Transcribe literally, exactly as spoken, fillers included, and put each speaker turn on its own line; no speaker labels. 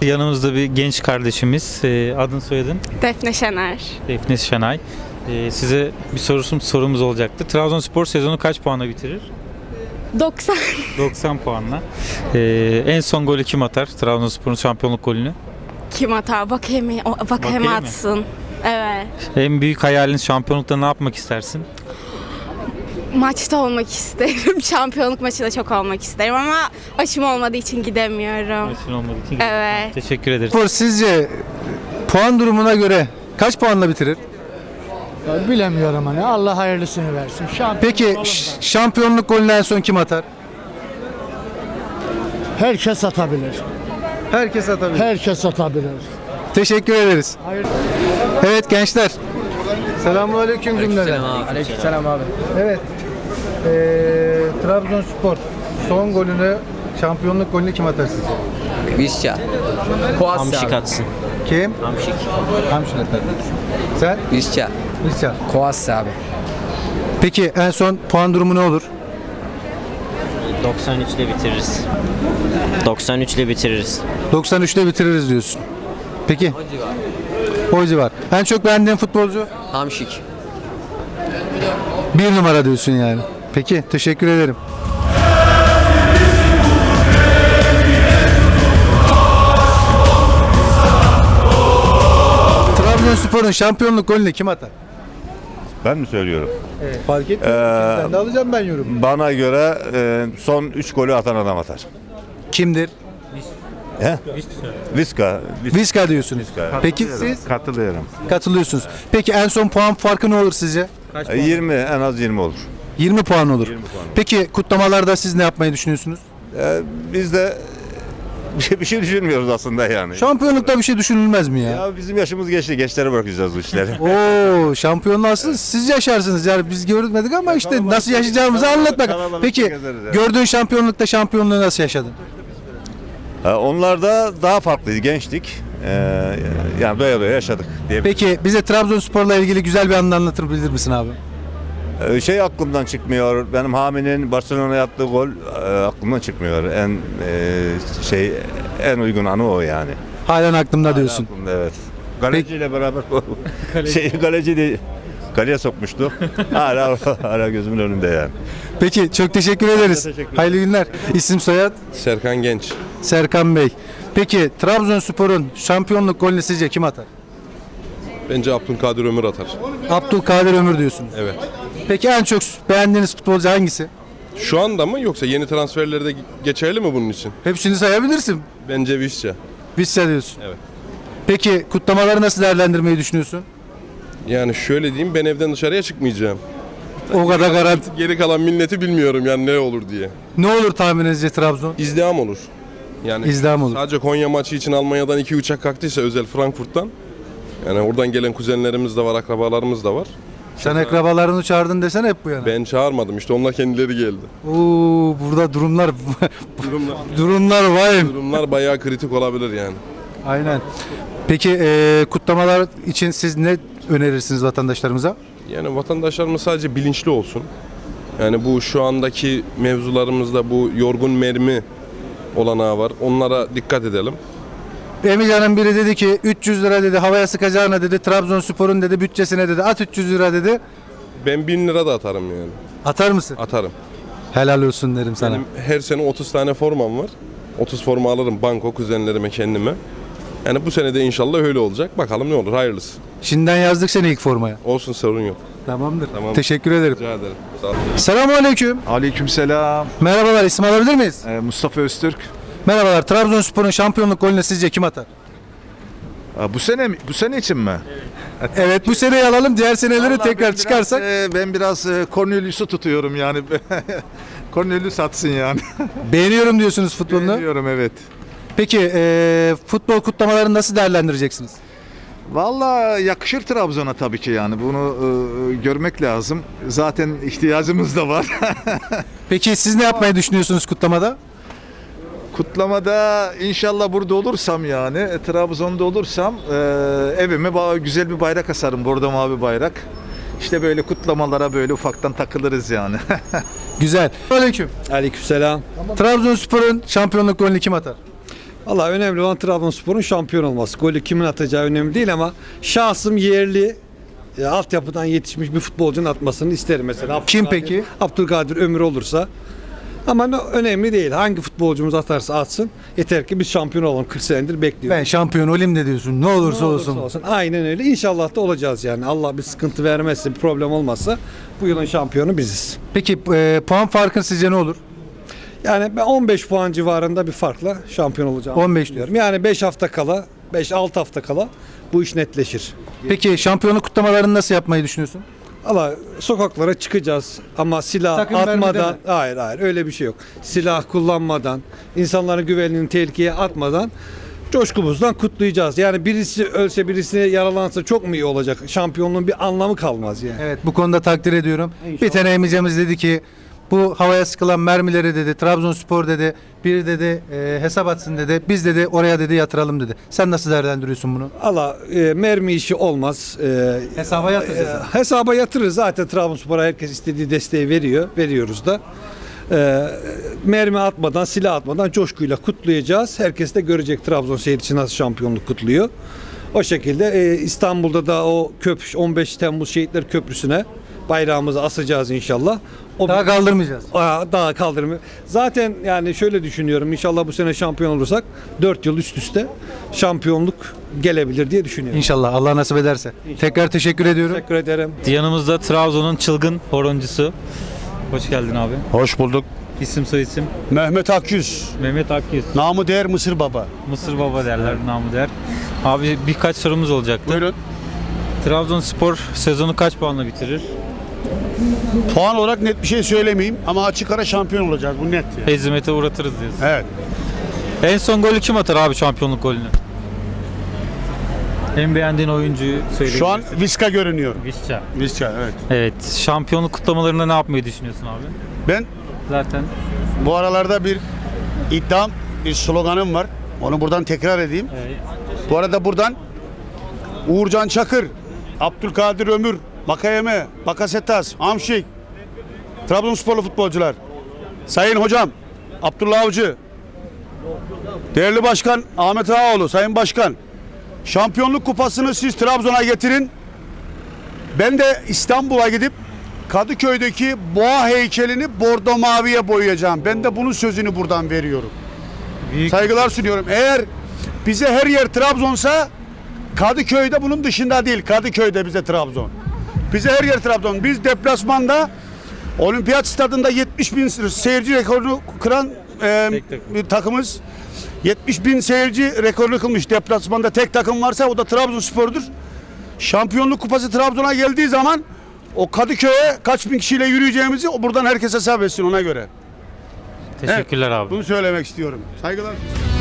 Yanımızda bir genç kardeşimiz. Ee, adın soyadın?
Defne Şener.
Defne Şenay. Ee, size bir sorusum, sorumuz olacaktı. Trabzonspor sezonu kaç puanla bitirir?
doksan.
doksan puanla. Ee, en son golü kim atar? Trabzonspor'un şampiyonluk golünü.
Kim atar? Bakayım, o- bakayım
Bakayım
atsın. Evet.
En büyük hayalin şampiyonlukta ne yapmak istersin?
Maçta olmak isterim. Şampiyonluk maçında çok olmak isterim ama aşım olmadığı için gidemiyorum.
Maçın olmadığı için.
Evet.
Teşekkür ederiz.
Spor sizce puan durumuna göre kaç puanla bitirir?
Ya bilemiyorum hani. Allah hayırlısını versin. Şampiyon
Peki
olalım
ş-
da.
şampiyonluk golünü en son kim atar?
Herkes atabilir.
Herkes atabilir.
Herkes atabilir.
Teşekkür ederiz.
Hayır.
Evet gençler. Selamünaleyküm cümleden.
Aleykümselam abi.
Evet. Ee, Trabzonspor son golünü, şampiyonluk golünü kim atar sizce?
Visca. Hamşik atsın.
Kim?
Hamşik.
Hamşin atar. Sen?
Visca.
Niscan.
Koas abi.
Peki en son puan durumu ne olur?
doksan üç ile bitiririz. doksan üç ile bitiririz.
doksan üçte bitiririz diyorsun. Peki. O civar. En çok beğendiğin futbolcu?
Hamşik.
Bir numara diyorsun yani. Peki teşekkür ederim. Trabzonspor'un şampiyonluk golünü kim atar?
Ben mi söylüyorum?
Fark etmiyor.
Ee,
Sen de alacağım ben yorum.
Bana göre e, son üç golü atan adam atar.
Kimdir?
He? Viska. Vis-
Vizca diyorsunuz.
Vizca.
Peki
Katılıyorum,
siz
Katılıyorum.
katılıyorsunuz. Peki en son puan farkı ne olur sizce?
E, yirmi, en az yirmi olur.
yirmi puan olur.
yirmi puan olur.
Peki kutlamalarda siz ne yapmayı düşünüyorsunuz?
E, biz de bir şey, bir şey düşünmüyoruz aslında yani.
Şampiyonlukta bir şey düşünülmez mi ya?
Ya bizim yaşımız geçti. Gençlere bırakacağız bu işleri.
Oo, şampiyonluğu aslında siz yaşarsınız yani biz görmedik ama işte
kalabalık-
nasıl yaşayacağımızı
kalabalık-
anlat bakalım.
kalabalık
Peki
gezeriz yani.
gördüğün şampiyonlukta şampiyonluğu nasıl yaşadın?
Ha, onlar da daha farklıydı. Gençtik. E, yani doya doya yaşadık diye.
Peki bize Trabzonspor'la ilgili güzel bir anını anlatabilir misin abi?
E, şey aklımdan çıkmıyor. Benim Hami'nin Barcelona'ya attığı gol e, aklımdan çıkmıyor. En e, şey en uygun anı o yani.
Halen aklımda diyorsun.
Aklımda, evet. Kaleciyle beraber şey kaleci de kaleye sokmuştu. hala hala gözümün önünde yani.
Peki çok teşekkür ederiz.
teşekkür ederim.
Hayırlı günler. İsim soyad
Serkan Genç.
Serkan Bey. Peki Trabzonspor'un şampiyonluk golünü sizce kim atar?
Bence Abdülkadir Ömür atar.
Abdülkadir Ömür diyorsunuz.
Evet.
Peki en çok beğendiğiniz futbolcu hangisi?
Şu anda mı yoksa yeni transferlerde geçerli mi bunun için?
Hepsini sayabilirsin.
Bence Visca.
Vizca diyorsun.
Evet.
Peki kutlamaları nasıl değerlendirmeyi düşünüyorsun?
Yani şöyle diyeyim, ben evden dışarıya çıkmayacağım.
O kadar garanti.
Geri kalan milleti bilmiyorum yani ne olur diye.
Ne olur tahmininizce Trabzon?
İzdiham olur. Yani
İzdiham olur.
sadece Konya maçı için Almanya'dan iki uçak kalktıysa özel Frankfurt'tan. Yani oradan gelen kuzenlerimiz de var, akrabalarımız da var.
Sen akrabalarını çağırdın desene hep bu yana.
Ben çağırmadım işte, onlar kendileri geldi.
Oo, burada durumlar
Durumlar,
durumlar vahim.
durumlar bayağı kritik olabilir yani.
Aynen. Peki eee, kutlamalar için siz ne önerirsiniz vatandaşlarımıza?
Yani vatandaşlarımız sadece bilinçli olsun. Yani bu şu andaki mevzularımızda bu yorgun mermi olanağı var. Onlara dikkat edelim.
Emican'ın biri dedi ki üç yüz lira dedi havaya sıkacağına dedi Trabzonspor'un dedi bütçesine dedi at üç yüz lira dedi.
Ben bin lira da atarım yani.
Atar mısın?
Atarım.
Helal olsun derim sana.
Benim her sene otuz tane formam var. otuz forma alırım banko kuzenlerime, kendime. Yani bu sene de inşallah öyle olacak. Bakalım ne olur, hayırlısı.
Şimdiden yazdık seni ilk formaya.
Olsun, sorun yok.
Tamamdır.
Tamam.
Teşekkür ederim.
Rica ederim. Sağ olun.
Selamünaleyküm.
Aleykümselam.
Merhabalar, isim alabilir miyiz?
Ee, Mustafa Öztürk.
Merhabalar. Trabzonspor'un şampiyonluk golünü sizce kim atar?
Aa, bu sene mi- bu sene için mi?
Evet, bu seneyi alalım. Diğer seneleri
Vallahi ben
tekrar
biraz,
çıkarsak.
e, ben biraz e, Cornelius'u tutuyorum yani. Cornelius atsın yani.
Beğeniyorum diyorsunuz futbolunu.
Beğeniyorum, evet.
Peki e, futbol kutlamalarını nasıl değerlendireceksiniz?
Vallahi yakışır Trabzon'a tabii ki yani. Bunu e, görmek lazım. Zaten ihtiyacımız da var.
Peki siz ne yapmayı düşünüyorsunuz kutlamada?
Kutlamada inşallah burada olursam yani e, Trabzon'da olursam e, evime ba- güzel bir bayrak asarım. Bordo mavi bayrak. İşte böyle kutlamalara böyle ufaktan takılırız yani.
Güzel. Aleyküm.
Aleykümselam.
Trabzonspor'un şampiyonluk golünü kim atar?
Valla önemli olan Trabzonspor'un şampiyon olması. Golü kimin atacağı önemli değil ama şahsım yerli e, altyapıdan yetişmiş bir futbolcunun atmasını isterim mesela.
Kim
Abdülkadir-
peki?
Abdülkadir Ömür olursa. Ama ne- önemli değil. Hangi futbolcumuz atarsa atsın. Yeter ki biz şampiyon olalım. kırk senedir bekliyoruz.
Ben şampiyon olayım de diyorsun. Ne olursa,
Ne olursa
olsun.
olsun. Aynen öyle. İnşallah da olacağız yani. Allah bir sıkıntı vermezse, bir problem olmazsa bu yılın şampiyonu biziz.
Peki e, puan farkın sizce ne olur?
Yani ben on beş puan civarında bir farkla şampiyon olacağım.
on beş
diyorum. Yani beş hafta kala, beş altı hafta kala bu iş netleşir.
Peki şampiyonluk kutlamalarını nasıl yapmayı düşünüyorsun?
Allah sokaklara çıkacağız ama silah
Sakın mermi
atmadan,
deme.
hayır hayır öyle bir şey yok. Silah kullanmadan, insanların güvenliğini tehlikeye atmadan coşkumuzdan kutlayacağız. Yani birisi ölse birisine yaralansa çok mu iyi olacak? Şampiyonluğun bir anlamı kalmaz yani.
Evet, bu konuda takdir ediyorum. Bir tane emicimiz dedi ki bu havaya sıkılan mermileri dedi Trabzonspor dedi bir dedi e, hesap atsın dedi. Biz dedi oraya dedi yatıralım dedi. Sen nasıl değerlendiriyorsun bunu?
Allah e, mermi işi olmaz. E,
Hesaba yatıracağız.
e, hesaba yatırırız. Zaten Trabzonspor'a herkes istediği desteği veriyor. Veriyoruz da. E, mermi atmadan, silah atmadan coşkuyla kutlayacağız. Herkes de görecek Trabzon seyircisi nasıl şampiyonluk kutluyor. O şekilde e, İstanbul'da da o köprü on beş Temmuz Şehitler Köprüsü'ne bayrağımızı asacağız inşallah. O
Daha kaldırmayacağız.
Aa, daha kaldırımı. Zaten yani şöyle düşünüyorum. İnşallah bu sene şampiyon olursak dört yıl üst üste şampiyonluk gelebilir diye düşünüyorum.
İnşallah Allah nasip ederse. Tekrar teşekkür ediyorum.
Teşekkür ederim.
Yanımızda Trabzon'un çılgın horoncusu. Hoş geldin abi.
Hoş bulduk.
İsim soyisim
Mehmet Akyüz.
Mehmet Akyüz.
Namı değer Mısır Baba.
Mısır Baba derler, namı der. Abi birkaç sorumuz olacaktı.
Buyurun.
Trabzonspor sezonu kaç puanla bitirir?
Puan olarak net bir şey söylemeyeyim ama açık ara şampiyon olacağız. Bu net. Yani.
Hezimete uğratırız diyorsun.
Evet.
En son golü kim atar abi, şampiyonluk golünü? En beğendiğin oyuncuyu söyleyebilirsin.
Şu an Viska görünüyor.
Visca.
Viska evet.
Evet. Şampiyonluk kutlamalarında ne yapmayı düşünüyorsun abi?
Ben
Zaten
bu aralarda bir iddiam, bir sloganım var. Onu buradan tekrar edeyim.
evet.
Bu arada buradan Uğurcan Çakır, Abdülkadir Ömür, Makayeme, Bakasetas, Amşik, Trabzonsporlu futbolcular, Sayın Hocam, Abdullah Avcı, değerli Başkan Ahmet Ağaoğlu, Sayın Başkan, şampiyonluk kupasını siz Trabzon'a getirin. Ben de İstanbul'a gidip Kadıköy'deki boğa heykelini bordo maviye boyayacağım. Ben de bunun sözünü buradan veriyorum.
Büyük
Saygılar sunuyorum. Eğer bize her yer Trabzon'sa Kadıköy'de bunun dışında değil. Kadıköy'de bize Trabzon. Bize her yer Trabzon. Biz deplasmanda Olimpiyat Stadında yetmiş bin seyirci rekorunu kıran e,
Tek takım.
bir takımız. yetmiş bin seyirci rekorunu kılmış deplasmanda tek takım varsa o da Trabzonspor'dur. Şampiyonluk kupası Trabzon'a geldiği zaman o Kadıköy'e kaç bin kişiyle yürüyeceğimizi buradan herkes hesap etsin ona göre.
teşekkürler abi.
Bunu söylemek istiyorum. Saygılar.